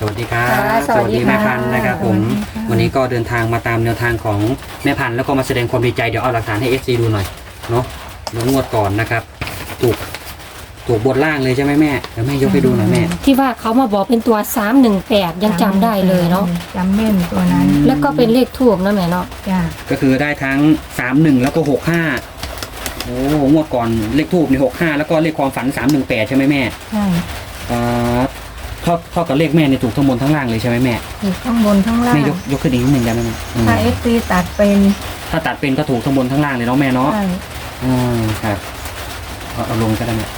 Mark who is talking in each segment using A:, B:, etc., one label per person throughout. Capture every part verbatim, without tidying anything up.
A: วัสดีครับ
B: สวัสดีค่ะ
A: แม่พันธุ์นะครับผมวันนี้ก็เดินทางมาตามแนวทางของแม่พันธุ์แล้วก็มาแสดงความดีใจเดี๋ยวเอาหลักฐานให้ เอฟ ซี ดูหน่อยเนาะเดี๋ยวงวดก่อนนะครับถูกถูกบนล่างเลยใช่ไหมแม่เดี๋ยวแม่ยกให้ดูหน่อยแม่
B: ที่ว่าเขามาบอกเป็นตัวสามหนึ่งแปดยังจำได้เลยเนาะ
C: จำแม่นตัวนั้น
B: แล้วก็เป็นเลขทูบนะแม่เนาะ
C: จ้า
A: ก็คือได้ทั้งสามหนึ่งแล้วก็หกห้าโอ้งวดก่อนเลขทูบในหกห้าแล้วก็เลขความฝันสามหนึ่งแปดใช่ไหมแม่
C: ใช่
A: อ่าเท่าเท่ากับเลขแม่ในถูกทั้งบนทั้งล่างเลยใช่ไหมแม่
C: ถูกข้างบนข้างล่าง
A: แม่ยกยกขึ้นอีกนิดหนึ่งได้ไหมแม่อืม
C: ถ้าเอฟซีตัดเป็น
A: ถ้าตัดเป็นก็ถูกทั้งบนทั้งล่างเลยเนาะแม่เนาะ
C: ใช่
A: อืมครับเอาเอาลงก็ได้แม่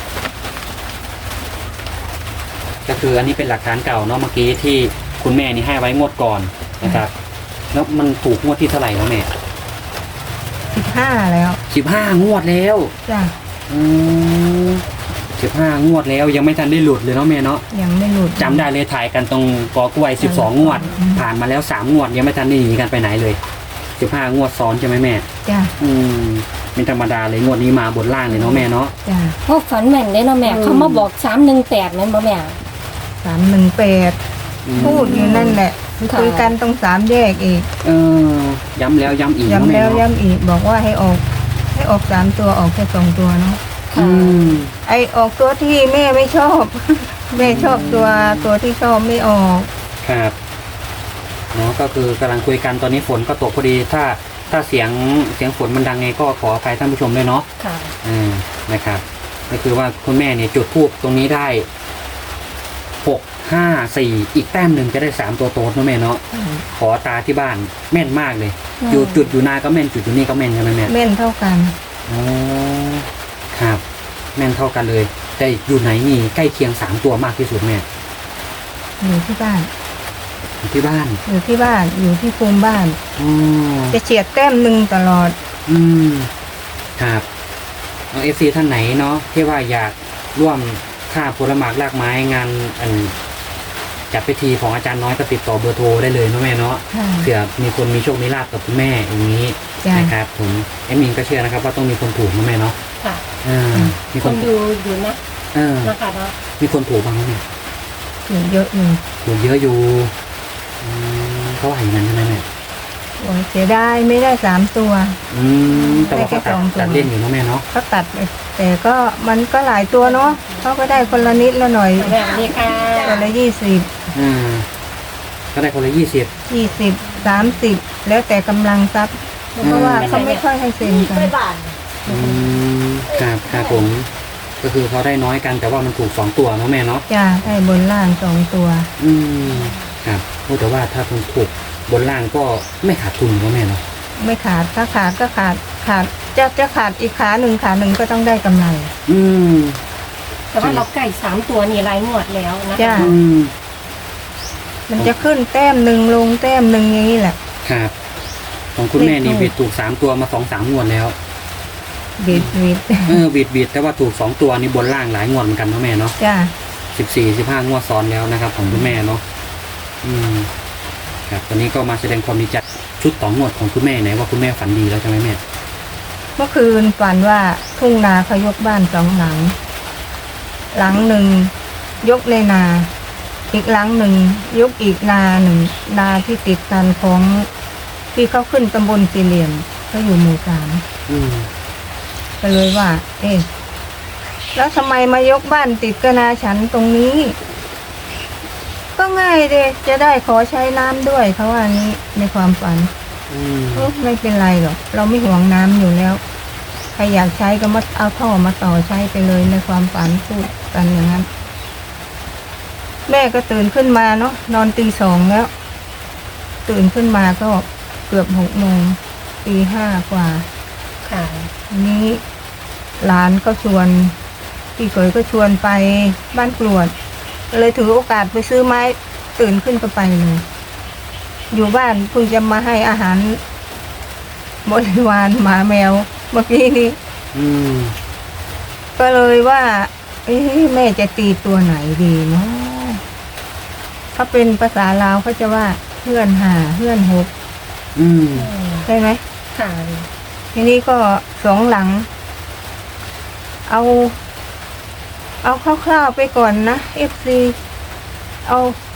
A: ก็คืออันนี้เป็นหลักฐานเก่าเนาะเมื่อกี้ที่คุณแม่นี่ให้ไว้งวดก่อนนะครับแล้วมันถูกงวดที่เท่าไหร่แล้วแม่
C: สิบห้าแล้ว
A: สิบห้างวดแล้ว
C: จ้า
A: อืมสิบห้างวดแล้วยังไม่ทันได้หลุดเลยเนาะแม่เนาะ
C: ยังไม่หลุด
A: จำได้เลยถ่ายกันตรงกอกล้วยสิบสองงวด
C: อืม
A: ผ่านมาแล้วสามงวดยังไม่ทันได้หนีกันไปไหนเลยสิบห้างวดซ้อนใช่ไหมแม่
C: จ้า
A: อืมเป็นธรรมดาเลยงวดนี้มาบนล่างเลยเนาะแม่เนาะ
C: จ้า
B: พวกฝันแม่นได้เนาะแม่
C: อืม
B: เขามาบอกสามหนึ่งแปดแม่นบ่แม่
C: สามหนึ่งแปด
A: อืม
C: พูดอยู่นั่นแหละ
B: ค่ะ
C: คุยกันตรงสามแยกอีก
A: เออย้ำแล้วย้ำอีกเนาะ
C: ย้ำ
A: แม่
C: แล้ว
A: เนาะ
C: ย้ำอีกบอกว่าให้ออก ให้ออกสามตัวออกแค่สองตัวเนาะ
A: อืม
C: ไอออกตัวที่แม่ไม่ชอบ แม่ชอบตัวตัวที่ชอบไม่ออก
A: ครับเนาะก็คือกำลังคุยกันตอนนี้ฝนก็ตกพอดีถ้าถ้าเสียงเสียงฝนมันดังไงก็ขออภัยท่านผู้ชมด้วยเนาะ
B: ค่ะ
A: อืมนะครับก็คือว่าคุณแม่เนี่ยจุดทูบตรงนี้ได้หกห้าสี่อีกแต้มหนึ่งจะได้สามตัวโต๊ดเนาะแม่เนาะขอตาที่บ้านแม่นมากเลย
B: อืม
A: อยู่จุดอยู่นาก็แม่นจุดอยู่นี่ก็แม่นใช่ไหมแม่
C: แม่นเท่ากัน
A: อ๋อครับ แม่นเท่ากันเลย แต่อยู่ไหนนี่ใกล้เคียงสามตัวมากที่สุดแม่
C: อยู่ที่บ้าน
A: อยู่ที่บ้าน
C: อยู่ที่บ้านอยู่ที่ภูมิบ้าน
A: อ๋อ
C: จะเฉียดแต้มหนึ่งตลอด
A: อืมครับน้องเอฟซีท่านไหนเนาะที่ว่าอยากร่วมค่าผลหมากลากไม้งานอันจัดพิธีของอาจารย์น้อยก็ติดต่อเบอร์โทรได้เลยเนาะแม่เนาะ
C: ค่ะ
A: เผื่อมีคนมีโชคมีลาภกับคุณแม่อย่างนี้
C: จ้ะ
A: นะครับผมแอดมินก็เชื่อนะครับว่าต้องมีคนถูกนะแม่เนาะ
B: ค่ะ
A: เออมี
B: ค
A: คน
B: นดูอยู่นะ
A: เออ
B: นะคะเนาะ
A: มีคนถูกบ้างไหมเนี่ย
C: อยู่เยอะอยู่
A: ถูกเยอะอยู่อืมเขาว่าอย่างนั้นใช่ไหมแม่
C: โอ้ยเสียดายไม่ได้สามตัว
A: อืมแต่ว่าเขาตัด
C: ได้แค่สองตัว
A: ตัดเล่นอยู่เนาะแม่เนาะ
C: เขาตัดไปแต่ก็มันก็หลายตัวเนาะเขาก็ได้คนละนิดละหน่อย
B: แม่นี่ค่ะ
C: คนละยี่สิบ
A: อ่าก็ได้คนละยี่สิบ
C: ยี่สิบสามสิบแล้วแต่กำลังทรัพย์เพราะว่าเขาไม่ค่อยให้เซ็นกัน
A: อืมครับครับผม ก็คือเขาได้น้อยกันแต่ว่ามันถูกสองตัวเนาะแม่เนาะ
C: จ้าได้บนล่างสองตัว
A: อืมครับโอ้แต่ว่าถ้ามันถูกบนล่างก็ไม่ขาดทุนเนาะแม่เนาะ
C: ไม่ขาดถ้าขาดก็ขาดขาดจะจะขาดอีกขาหนึ่งขาหนึ่งก็ต้องได้กำไร
A: อืม
B: แต่ว่าเราใกล้สามตัวนี่รายงวดแล้วนะ
C: จ้า
B: คะ
A: อืม
C: มันจะขึ้นแต้มหนึ่งลงแต้มหนึ่งอย่างนี้แหละ
A: ครับของคุณแม่นี่
C: เลขถูก
A: บิดถูกสามตัวมาสองสามงวดแล้ว
C: บิดบิด
A: เออบิดบิดแต่ว่าถูกสองตัวนี่บนล่างหลายงวดเหมือนกันเนาะแม่เนาะ
C: จ้า
A: สิบสี่สิบห้างวดซ้อนแล้วนะครับ ของคุณแม่เนาะอืมครับตอนนี้ก็มาแสดงความดีใจชุดต่องวดของคุณแม่ไหนว่าคุณแม่ฝันดีแล้วใช่ไหมแม่
C: เมื่อคืนฝันว่าทุ่งนาเขายกบ้านสองหลัง หลังหนึ่งยกในนา อีกหลังหนึ่งยกอีกนาหนึ่งนาที่ติดกันของที่เขาขึ้นตำบลสี่เหลี่ยมเขาอยู่หมู่สาม
A: อืม
C: ก็เลยว่า เอ๊ะแล้วทำไมมายกบ้านติดกับนาฉันตรงนี้ ก็ง่ายเลยจะได้ขอใช้น้ำด้วยเขาว่านี้ในความฝัน
A: อืม
C: เออไม่เป็นไรหรอกเราไม่ห่วงน้ำอยู่แล้วใครอยากใช้ก็มาเอาท่อมาต่อใช้ไปเลยในความฝันพูดกันอย่างนั้น แม่ก็ตื่นขึ้นมาเนาะนอนตีสองแล้ว ตื่นขึ้นมาก็เกือบหกโมงตีห้ากว่า
B: ค่ะ
C: ทีนี้หลานก็ชวนพี่เขยก็ชวนไปบ้านกรวดเลยถือโอกาสไปซื้อไม้ตื่นขึ้นก็ไปเลยอยู่บ้านเพิ่งจะมาให้อาหารบริวารหมาแมวเมื่อกี้นี้
A: อืม
C: ก็เลยว่า เอ๊ะแม่จะตีตัวไหนดีเนาะถ้าเป็นภาษาลาวเขาจะว่าเพื่อนหาเพื่อนหก
A: อืม
C: ใช่ไหม
B: ค่ะ
C: ทีนี้ก็สองหลัง เอา เอาคร่าวๆไปก่อนนะเอฟซีเอาห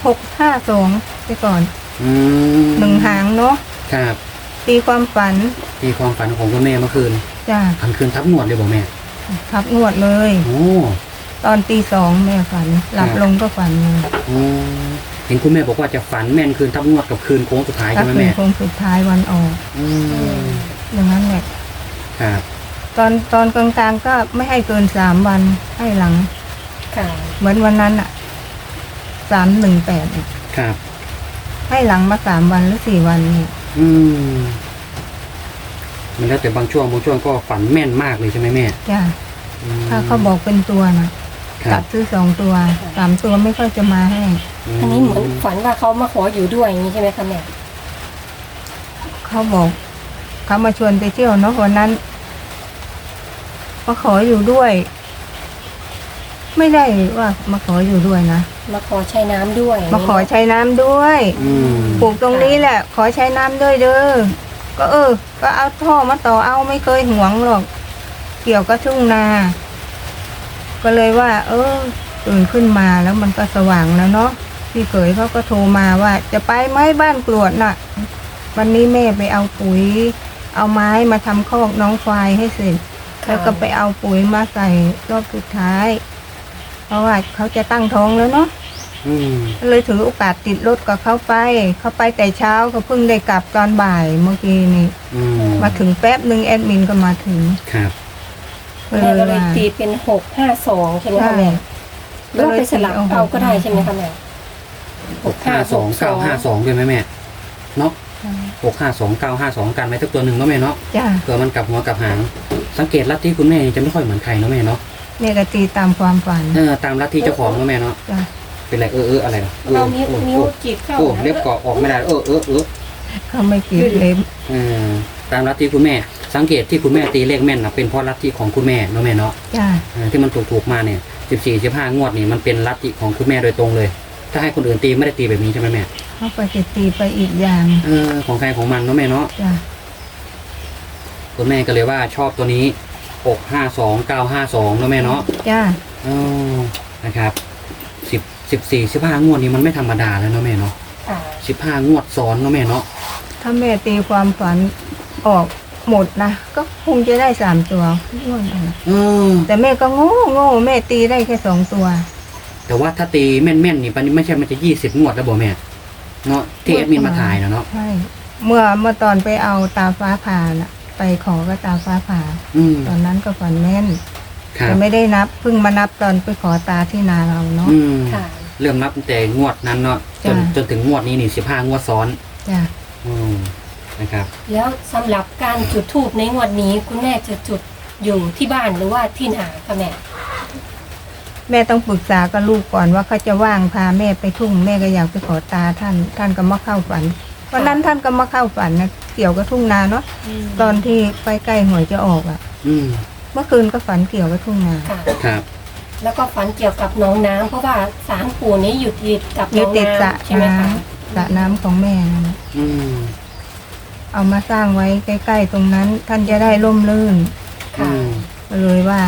C: หกห้าสองไปก่อน
A: อืม
C: หนึ่งหางเนาะ
A: ครับ
C: ตีความฝัน
A: ที่ความฝันของคุณแม่เมื่อคืน
C: จ้ะ
A: ทันคืนทับงวดเลยบอกแม่
C: ทับงวดเลย
A: โอ้
C: ตอนตีสองแม่ฝัน หลับ
A: ครับ
C: ลงก็ฝันเลย
A: โอ้เห็นคุณแม่บอกว่าจะฝันแม่นคืนทับงวดกับคืนโค้งสุดท้าย
C: ถ้า
A: ใช่ไหม
C: คืน
A: แม่
C: คงสุดท้ายวันออก
A: อืม
C: อย่างนั้นแหละ
A: ครับ
C: ตอนตอนกลางๆก็ไม่ให้เกินสามวันให้หลัง
B: ค่ะ
C: เหมือนวันนั้นอะสามหนึ่งแปด
A: ครับ
C: ให้หลังมาสามวันหรือสี่วันเนี่ย
A: อืมมันแล้วแต่บางช่วงบางช่วงก็ฝันแม่นมากเลยใช่ไหมแม่
C: จ้ะ
A: อืม
C: ถ้าเขาบอกเป็นตัวนะ
A: ครั
C: จั
A: บบ
C: ซื้อสองตัวสามตัวไม่ค่อยจะมาให้
B: อันนี้เหมือนฝันว่าเขามาขออยู่ด้วยอย่างนี้ใช่ไหมคะแม่
C: เขาบอกเขามาชวนไปเที่ยวเนาะวันนั้นมาขออยู่ด้วย ไม่ได้ว่ามาขออยู่ด้วยนะ
B: มาขอใช้น้ำด้วย
C: มาขอใช้น้ำด้วย
A: อืม
C: ปลูกตรงนี้แหละ ขอใช้น้ำด้วยเด้อก็เออ ก็เอาท่อมาต่อเอาไม่เคยหวงหรอก เกี่ยวกับทุ่งนา ก็เลยว่า เออตื่นขึ้นมาแล้วมันก็สว่างแล้วเนาะพี่เขยเขาก็โทรมาว่า จะไปไหมบ้านกรวดน่ะ วันนี้แม่ไปเอาปุ๋ย เอาไม้มาทำคอกน้องควายให้เสร็จ แล้วก็ไปเอาปุ๋ยมาใส่รอบสุดท้าย เพราะว่าเขาจะตั้งท้องแล้วเนาะ
A: อืม
C: เลยถือโอกาสติดรถกับเขาไป เขาไปแต่เช้าเขาเพิ่งได้กลับตอนบ่ายเมื่อกี้นี่
A: อืม
C: มาถึงแป๊บหนึ่งแอดมินก็มาถึง
A: ครับ
C: ก็
B: แม่
C: เลย
B: ก็เลย
C: ว่า
B: ตีเป็นหกห้าสองใช่ไหม
C: ใช่
B: คะแม่หรือว่าไปสลับ
C: ก็เลยตีเอา
B: เอาก็ได้ใช่ไหมคะแม่
A: หกห้าสองเก้าห้าสองด้วยไหมแม่เนาะหกห้าสองเก้าห้าสองกันไว้สักตัวหนึ่งเนาะแม่เนาะ
C: จ้า
A: เผื่อมันกลับหัวกลับหาง สังเกตลัทธิคุณแม่จะไม่ค่อยเหมือนใครเนาะแม่เนาะ
C: แม่ก็ตีตามความฝัน
A: เออตามลัทธิเจ้าของเนาะแม่เนาะ
C: จ้า
A: เป็นไรเออเอออะไรนะเออ
B: เรานิ้ว
A: โอ้
B: นิ้ว
A: โอ้
B: จีบเข้า
A: โอ้
B: นะ
A: เล็บเกาะออกไม่ได้เออเออเออ
C: เขาไม่กรีดเล็บ
A: เออตามลัทธิคุณแม่ สังเกตที่คุณแม่ตีเลขแม่นนะเป็นเพราะลัทธิของคุณแม่เนาะแม่เนาะ
C: จ้า
A: เออที่มันถูกถูกๆมาเนี่ยสิบสี่สิบห้างวดนี่มันเป็นลัทธิของคุณแม่โดยตรงเลย ถ้าให้คนอื่นตีไม่ได้ตีแบบนี้ใช่ไหมแม่
C: เขาไปจะตีไปอีกอย่าง
A: เออของใครของมันเนาะแม่เนาะ
C: จ้า
A: คุณแม่ก็เลยว่าชอบตัวนี้หกห้าสองเก้าห้าสองเนาะแม่เนาะ
C: จ้า
A: อ๋อนะครับสิบสิบสี่สิบห้างวดนี้มันไม่ธรรมดาแล้วเนาะแม่เนาะ
B: ค่ะ
A: สิบห้างวดซ้อนเนาะแม่เนาะ
C: ถ้าแม่ตีความฝันออกหมดนะก็คงจะได้สามตัวงวดนั้นน่ะ
A: เออ
C: แต่แม่ก็โง่โง่แม่ตีได้แค่สองตัว
A: แต่ว่าถ้าตีแม่นๆนี่ปันนี้ไม่ใช่มันจะยี่สิบงวดแล้วบ่แม่เนาะที่แอดมินมาถ่ายนะเนาะ
C: ใช่เมื่อเมื่อตอนไปเอาตาฟ้าผ่าน่ะ ไปขอก็ตาฟ้าผ่า
A: อืม
C: ตอนนั้นก็ฝันแม่น
A: ครับ
C: แต่ไม่ได้นับเพิ่งมานับตอนไปขอตาที่นาเราเนาะ
A: อืม
B: ค่ะ
A: เริ่มนับตั้งแต่งวดนั้นเนาะจน
C: จ้ะ
A: จนถึงงวดนี้นี่สิบห้างวดซ้อน
C: จ้ะ
A: อืมนะครับ
B: แล้วสำหรับการจุดธูปในงวดนี้คุณแม่จะจุดอยู่ที่บ้านหรือว่าที่ไหนคะแม่
C: แม่ต้องปรึกษากับลูกก่อนว่าเขาจะว่างพาแม่ไปทุ่งแม่ก็อยากไปขอตาท่าน ท่านก็มาเข้าฝันวันนั้นท่านก็มาเข้าฝันนะเกี่ยวกับทุ่งนาเนาะตอนที่ไปใกล้หวยจะออกอะ่ะ
A: อืม
C: เมื่อคืนก็ฝันเกี่ยวกับทุ่งนา
B: ค่ะ
A: ครับ
B: แล้วก็ฝันเกี่ยวกับน้องน้ำเพราะว่าศาลปู่นี้อยู่ติดกับ
C: อยู่
B: น้อง
C: ติดสระ
B: น้ำใช่ไหม
C: น้
B: คะ
C: ำสระน้ำของแม่นั่นน่ะ
A: อืม
C: เอามาสร้างไว้ใกล้ๆตรงนั้น ท่านจะได้ร่มรื่น
A: อื
B: ค่ะ
A: ม
C: ก็เลยว่า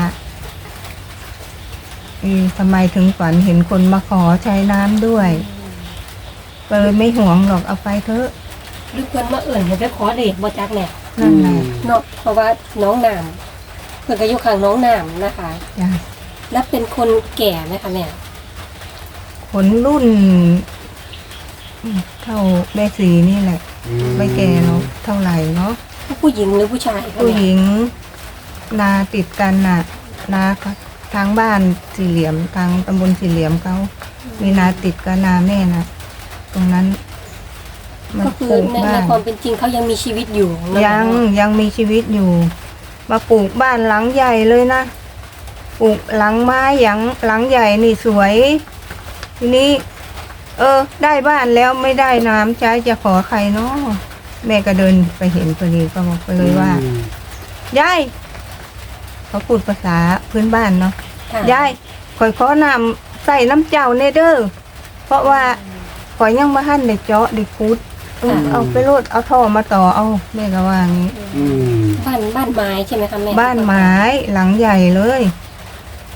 C: เอ๊ะทำไมถึงฝันเห็นคนมาขอใช้น้ำด้วยก็เลยไม่ห่วงหรอกเอาไปเถอะ
B: หรือเพื่อนมาเอื่นให้ไปขอเด็กบ่จักแม่
C: นั่นแหละ
B: เนาะเพราะว่าน้องน้ำเพื่อนก็อยู่ข้างน้องน้ำนะคะ
C: จ้ะ
B: และเป็นคนแก่ไหมคะแม่
C: ผลรุ่นอืมเท่าแม่สีนี่แหละ
A: อืม
C: ไม่แก่เนาะเท่าไหร่เนาะ
B: ผู้หญิงหรือผู้ชายคะ
C: ผู้ห
B: แม่
C: ญิง นาติดกันน่ะ นาทางบ้านสี่เหลี่ยมทางตำบลสี่เหลี่ยมเขามีนาติดกับนาแม่น่ะ ตรงนั้น มัน
B: ก็คือ
C: ปลูก
B: ใน
C: บ้า
B: ใน
C: น
B: ความเป็นจริงเขายังมีชีวิตอยู่เนอะ
C: ยังยังมีชีวิตอยู่ มาปลูกบ้านหลังใหญ่เลยนะปลูกหลังไม้หลังหลังใหญ่นี่สวย ทีนี้ เออ ได้บ้านแล้วไม่ได้น้ำใช้จะขอใครเนาะแม่ก็เดินไปเห็นพอดีก็บอกไปเลยว่า
A: อืม
C: ยายเขาพูดภาษาพื้นบ้านเนาะ
B: ค่ะ
C: ยายข่อยขอน้ำใส่น้ำเจ้าเนเด้อเพราะว่าข่อยยังมาหั่นได้เจาะได้คุดเออเอาไปโลดเอาท่อมาต่อเอาแม่ก็ว่างี้
A: อืม
B: บ้านบ้านไม้ใช่ไหมคะแม่
C: บ้านไม้หลังใหญ่เลย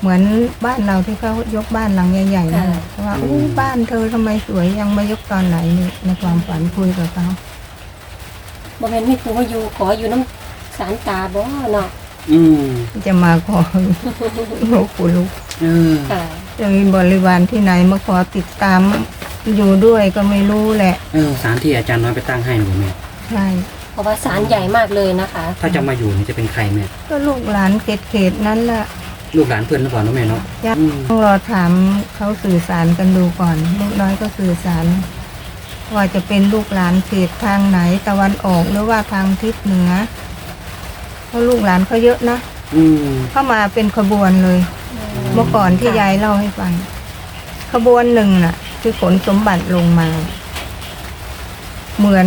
C: เหมือนบ้านเราที่เขายกบ้านหลังใหญ่ๆนั่นแหละว่าอู้บ้านเธอทำไมสวยยังมายกตอนไหนนี่ในความฝันคุยกับเขา
B: บ่แม่นมีผู้มาอยู่ขออยู่น้ำสารตาบ่เนาะ
A: อืม
C: จะมาขอ ลูกปู่ลูก
A: เออ
B: ค่ะ
C: จะมีบริวารที่ไหนมาขอติดตามอยู่ด้วยก็ไม่รู้แหละ
A: เออสารที่อาจารย์น้อยไปตั้งให้หนูแม่
C: ใช่
B: เพราะว่าสารใหญ่มากเลยนะคะ
A: ถ้าจะมาอยู่นี่จะเป็นใครแม่
C: ก็ลูกหลานเขตๆนั้นแหละ
A: ลูกหลานเพื่อนหรือเปล่าเนาะแม่เนาะ
C: ยัง
A: อืม
C: ต้องรอถามเขาสื่อสารกันดูก่อน ลูกน้อยก็สื่อสาร ว่าจะเป็นลูกหลานเขตทางไหนตะวันออกหรือว่าทางทิศเหนือเพราะลูกหลานเขาเยอะนะ
A: อืม
C: เข้ามาเป็นขบวนเลย เมื่อก่อนที่ยายเล่าให้ฟัง ขบวนหนึ่งน่ะ คือขนสมบัติลงมา เหมือน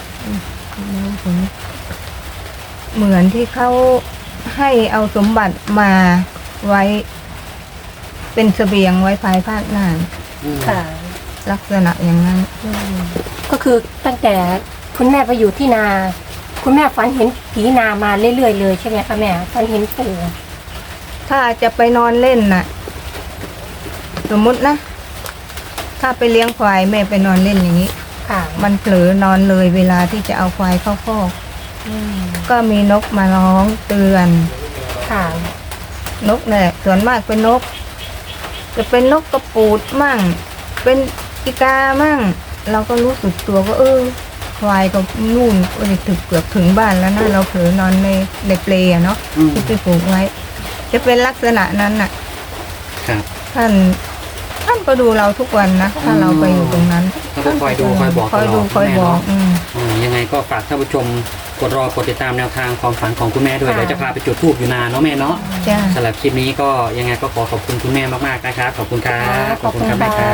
C: เหมือนที่เขาให้เอาสมบัติมาไว้ เป็นเสบียงไว้ภายภาคหน้า
A: อืม
B: ค่ะ
C: ลักษณะอย่างนั้น
B: ก็คือตั้งแต่คุณแม่ไปอยู่ที่นา คุณแม่ฝันเห็นผีนามาเรื่อยๆเลยใช่ไหมคะแม่ฝันเห็นปู่
C: ถ้าจะไปนอนเล่นน่ะ สมมุตินะ ถ้าไปเลี้ยงควายแม่ไปนอนเล่นอย่างนี้
B: ค่ะ
C: มันเผลอนอนเลยเวลาที่จะเอาควายเข้าคอก
B: อืม
C: ก็มีนกมาร้องเตือน
B: ค่ะ
C: นกเนี่ยส่วนมากเป็นนก จะเป็นนกกระปูดมั่ง เป็นอีกามั่ง เราก็รู้สึกตัวก็เออควายก็นู่นก็จะถึงเกือบถึงบ้านแล้วนะเราเผลอนอนในในเปลอะเนาะ
A: อืม
C: ที่ไปปลูกไว้ จะเป็นลักษณะนั้นน่ะ
A: ครับ
C: ท่านท่านก็ดูเราทุกวันนะถ้าเราไปอยู่ตรงนั้น
A: เขาก็คอยดูคอยบอก
C: คอยดู
A: ตลอด
C: คอย
A: แม่
C: บอก
A: เนาะ
C: อืม
A: อืมยังไงก็ฝากท่านผู้ชมกดรอกดติดตามแนวทางความฝันของคุณแม่ด้วย
B: ค่ะ
A: เดี๋ยวจะพาไปจุดธูปอยู่นานเนาะแม่เนาะ
C: จ้า
A: สำหรับคลิปนี้ก็ยังไงก็ขอขอบคุณคุณแม่มากๆนะครับขอบคุณครับ
B: ขอบคุณ
A: ครับ
B: ค่ะ
A: แม่ครับ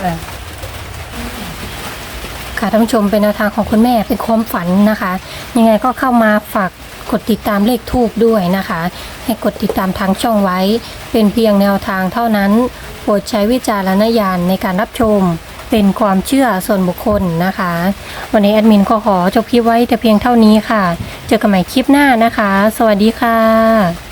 B: ค่ะท่านผู้ชมเป็นแนวทางของคุณแม่เป็นความฝันนะคะ ยังไงก็เข้ามาฝากกดติดตามเลขทูบด้วยนะคะ ให้กดติดตามทางช่องไว้ เป็นเพียงแนวทางเท่านั้น โปรดใช้วิจารณญาณในการรับชม เป็นความเชื่อส่วนบุคคลนะคะ วันนี้แอดมินก็ขอจบคลิปไว้แต่เพียงเท่านี้ค่ะ เจอกันใหม่คลิปหน้านะคะ สวัสดีค่ะ